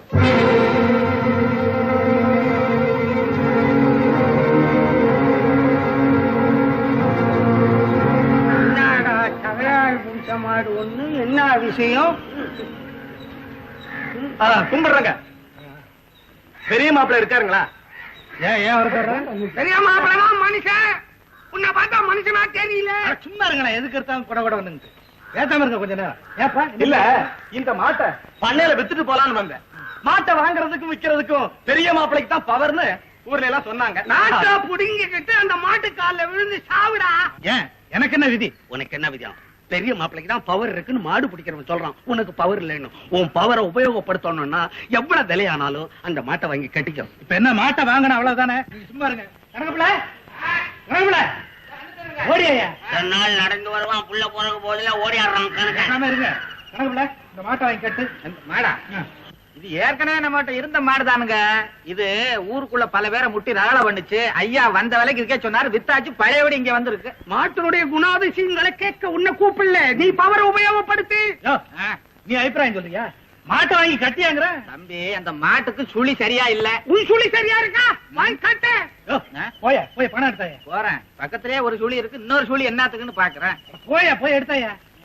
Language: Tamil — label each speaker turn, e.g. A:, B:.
A: என்னடா தகராறு பிடிச்ச மாடு ஒண்ணு, என்ன விஷயம்?
B: கும்பிடுறங்க. பெரிய மாப்பிள்ள இருக்காருங்களா?
C: ஏன் இருக்காரு?
A: பெரிய மாப்பிள்ளமா மனுஷன்? உன்னை பார்த்தா மனுஷனா தெரியல.
C: சும்மா இருங்களா, எதுக்கு எடுத்தாலும் கூட கூட வந்து பேசாம இருக்க கொஞ்ச நேரம். ஏப்பா
B: இல்ல, இந்த மாட்டை பண்ணையில வித்துட்டு போலான்னு வந்தேன். மாட்டை வாங்குறதுக்கும் விக்கிறதுக்கும் பெரிய மாப்பிள்ளைக்கு தான் பவர்னு ஊர்ல எல்லாம் சொன்னாங்க.
A: நாட்டை புடுங்கிக்கிட்டு அந்த மாட்டு கால்ல விழுந்து சாவுடா.
C: ஏன் எனக்கு என்ன விதி?
D: உனக்கு என்ன விதம்? பெரிய மாப்பிளைக்கு தான் பவர் இருக்குன்னு மாடு பிடிக்கிறவன் சொல்றான். உனக்கு பவர் இல்லைன்னு. உன் பவரை உபயோகப்படுத்தணும்னா எவ்வளவு விலையானாலும் அந்த மாட்டை வாங்கி கட்டிக்கும்.
C: இப்ப என்ன மாட்டை வாங்கணும் அவ்வளவுதானே? சும்மா இருங்க. கணக்குல கணக்குல ஓடியா
D: நாள் நடந்து வருவான், புள்ள போறக்கு போதில ஓடி ஆடுறான்.
C: இருங்க. கணக்குல இந்த மாட்டை வாங்கி கட்டு.
A: மாடா, இது ஏற்கனவே நம்மகிட்ட இருந்த மாடுதானுங்க. இது ஊருக்குள்ள பல பேரை முட்டி ரகலை பண்ணுச்சு. ஐயா வந்த வேலைக்கு இருக்கே சொன்னாரு, வித்தாச்சு பழையபடி இங்க வந்திருக்கு. மாட்டினுடைய குணாதிசயங்களை கேட்க உன்னை கூப்பிடல, நீ பவரை உபயோகப்படுத்தி.
C: நீ அபிப்பிராயம் சொல்றியா? மாட்டை வாங்கி கட்டியாங்கிற?
A: தம்பி, அந்த மாட்டுக்கு சுழி சரியா இல்ல. உன் சுழி சரியா இருக்கா? வாங்கி கட்ட.
C: போய் பணம் எடுத்தாயா?
A: போறேன். பக்கத்திலே ஒரு சுழி இருக்கு, இன்னொரு சுழி என்னத்துக்குன்னு பாக்குறேன்.
C: போய் எடுத்தாயா?